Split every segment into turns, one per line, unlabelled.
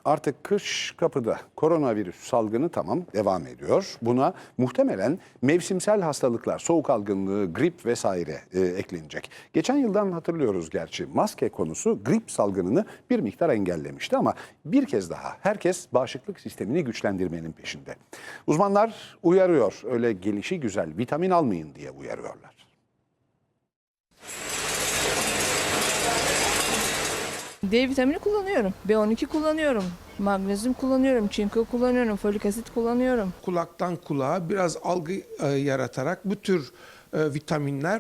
Artık kış kapıda. Koronavirüs salgını tamam devam ediyor. Buna muhtemelen mevsimsel hastalıklar, soğuk algınlığı, grip vesaire eklenecek. Geçen yıldan hatırlıyoruz gerçi. Maske konusu grip salgınını bir miktar engellemişti ama bir kez daha herkes bağışıklık sistemini güçlendirmenin peşinde. Uzmanlar uyarıyor. Öyle gelişigüzel vitamin almayın diye uyarıyorlar.
D vitamini kullanıyorum, B12 kullanıyorum, magnezyum kullanıyorum, çinko kullanıyorum, folik asit kullanıyorum.
Kulaktan kulağa biraz algı yaratarak bu tür vitaminler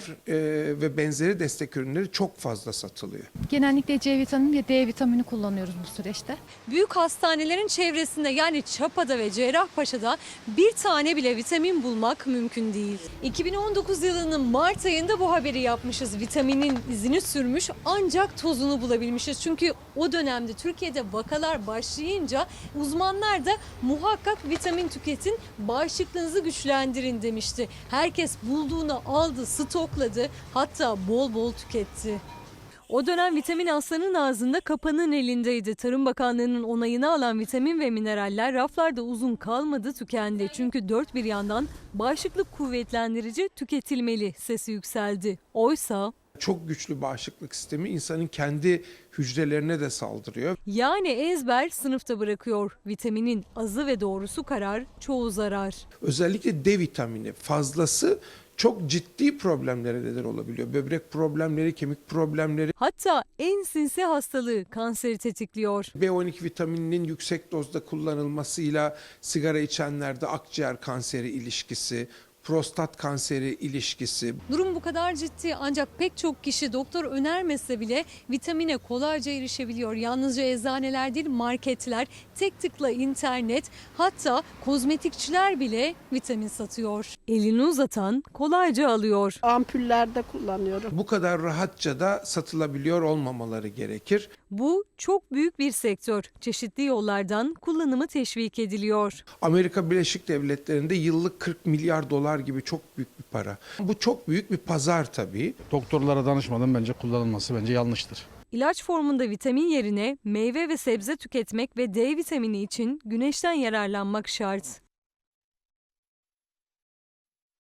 ve benzeri destek ürünleri çok fazla satılıyor.
Genellikle C vitamini ve D vitamini kullanıyoruz bu süreçte.
Büyük hastanelerin çevresinde yani Çapa'da ve Cerrahpaşa'da bir tane bile vitamin bulmak mümkün değil. 2019 yılının Mart ayında bu haberi yapmışız. Vitaminin izini sürmüş ancak tozunu bulabilmişiz. Çünkü o dönemde Türkiye'de vakalar başlayınca uzmanlar da muhakkak vitamin tüketin, bağışıklığınızı güçlendirin demişti. Herkes bulduğunu aldı, stokladı, hatta bol bol tüketti. O dönem vitamin aslanın ağzında, kapanın elindeydi. Tarım Bakanlığı'nın onayını alan vitamin ve mineraller raflarda uzun kalmadı, tükendi. Çünkü dört bir yandan bağışıklık kuvvetlendirici tüketilmeli sesi yükseldi. Oysa
Çok güçlü bağışıklık sistemi insanın kendi hücrelerine de saldırıyor.
yani ezber sınıfta bırakıyor. Vitaminin azı ve doğrusu karar, çoğu zarar.
Özellikle D vitamini fazlası çok ciddi problemlere neden olabiliyor. Böbrek problemleri, kemik problemleri.
Hatta en sinsi hastalığı, kanseri tetikliyor.
B12 vitamininin yüksek dozda kullanılmasıyla sigara içenlerde akciğer kanseri ilişkisi, prostat kanseri ilişkisi.
Durum bu kadar ciddi ancak pek çok kişi doktor önermese bile vitamine kolayca erişebiliyor. Yalnızca eczaneler değil, marketler, tek tıkla internet, hatta kozmetikçiler bile vitamin satıyor. Elini uzatan kolayca alıyor.
Ampullerde kullanıyorum.
Bu kadar rahatça da satılabiliyor olmamaları gerekir.
Bu çok büyük bir sektör. Çeşitli yollardan kullanımı teşvik ediliyor.
Amerika Birleşik Devletleri'nde yıllık 40 milyar dolar gibi çok büyük bir para. Bu çok büyük bir pazar tabii.
Doktorlara danışmadan bence kullanılması bence yanlıştır.
İlaç formunda vitamin yerine meyve ve sebze tüketmek ve D vitamini için güneşten yararlanmak şart.